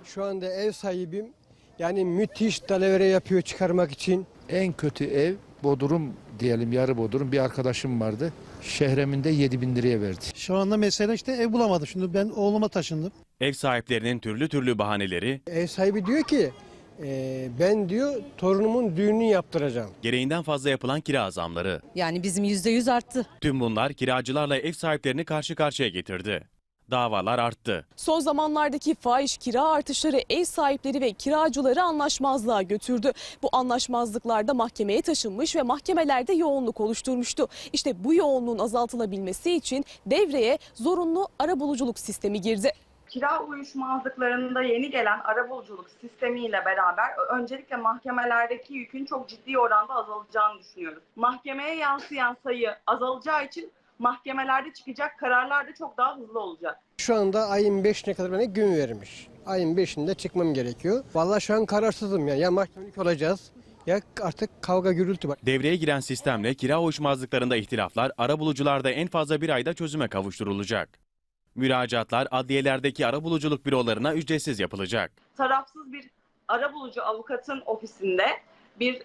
Şu anda ev sahibim yani müthiş dalavere yapıyor çıkarmak için. En kötü ev bodrum diyelim, yarı bodrum bir arkadaşım vardı. Şehreminde 7.000 liraya verdi. Şu anda mesela işte ev bulamadım. Şimdi ben oğluma taşındım. Ev sahiplerinin türlü bahaneleri, Ev sahibi diyor ki ben diyor torunumun düğününü yaptıracağım. gereğinden fazla yapılan kira zamları. Yani bizim %100 arttı. Tüm bunlar kiracılarla ev sahiplerini karşı karşıya getirdi. Davalar arttı. Son zamanlardaki fahiş kira artışları ev sahipleri ve kiracıları anlaşmazlığa götürdü. Bu anlaşmazlıklar da mahkemeye taşınmış ve mahkemelerde yoğunluk oluşturmuştu. İşte bu yoğunluğun azaltılabilmesi için devreye zorunlu arabuluculuk sistemi girdi. Kira uyuşmazlıklarında yeni gelen arabuluculuk sistemiyle beraber öncelikle mahkemelerdeki yükün çok ciddi oranda azalacağını düşünüyoruz. Mahkemeye yansıyan sayı azalacağı için mahkemelerde çıkacak kararlar da çok daha hızlı olacak. Şu anda ayın 5'ine kadar bana gün vermiş. Ayın 5'inde çıkmam gerekiyor. Vallahi şu an kararsızım ya mahkemelik olacağız ya artık kavga gürültü var. Devreye giren sistemle kira uyuşmazlıklarında ihtilaflar arabulucularda en fazla bir ayda çözüme kavuşturulacak. Müracaatlar adliyelerdeki arabuluculuk bürolarına ücretsiz yapılacak. Tarafsız bir arabulucu avukatın ofisinde bir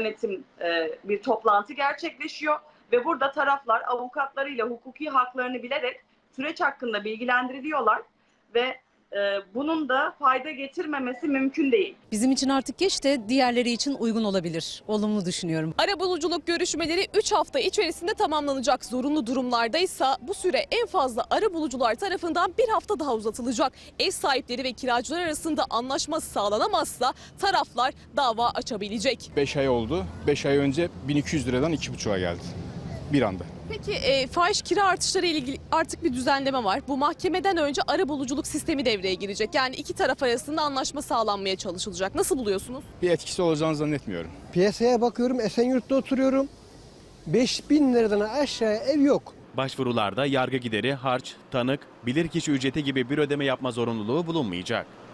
bir toplantı gerçekleşiyor ve burada taraflar avukatlarıyla hukuki haklarını bilerek süreç hakkında bilgilendiriliyorlar ve bunun da fayda getirmemesi mümkün değil. Bizim için artık geç de diğerleri için uygun olabilir. Olumlu düşünüyorum. Arabuluculuk görüşmeleri 3 hafta içerisinde tamamlanacak. Zorunlu durumlarda ise bu süre en fazla arabulucular tarafından bir hafta daha uzatılacak. Ev sahipleri ve kiracılar arasında anlaşma sağlanamazsa taraflar dava açabilecek. 5 ay oldu. 5 ay önce 1200 liradan 2,5'a geldi. Bir anda. Peki fahiş kira artışları ile ilgili artık bir düzenleme var. Bu mahkemeden önce arabuluculuk sistemi devreye girecek. Yani iki taraf arasında anlaşma sağlanmaya çalışılacak. Nasıl buluyorsunuz? Bir etkisi olacağını zannetmiyorum. Piyasaya bakıyorum Esenyurt'ta oturuyorum. 5.000 liradan aşağıya ev yok. Başvurularda yargı gideri, harç, tanık, bilirkişi ücreti gibi bir ödeme yapma zorunluluğu bulunmayacak.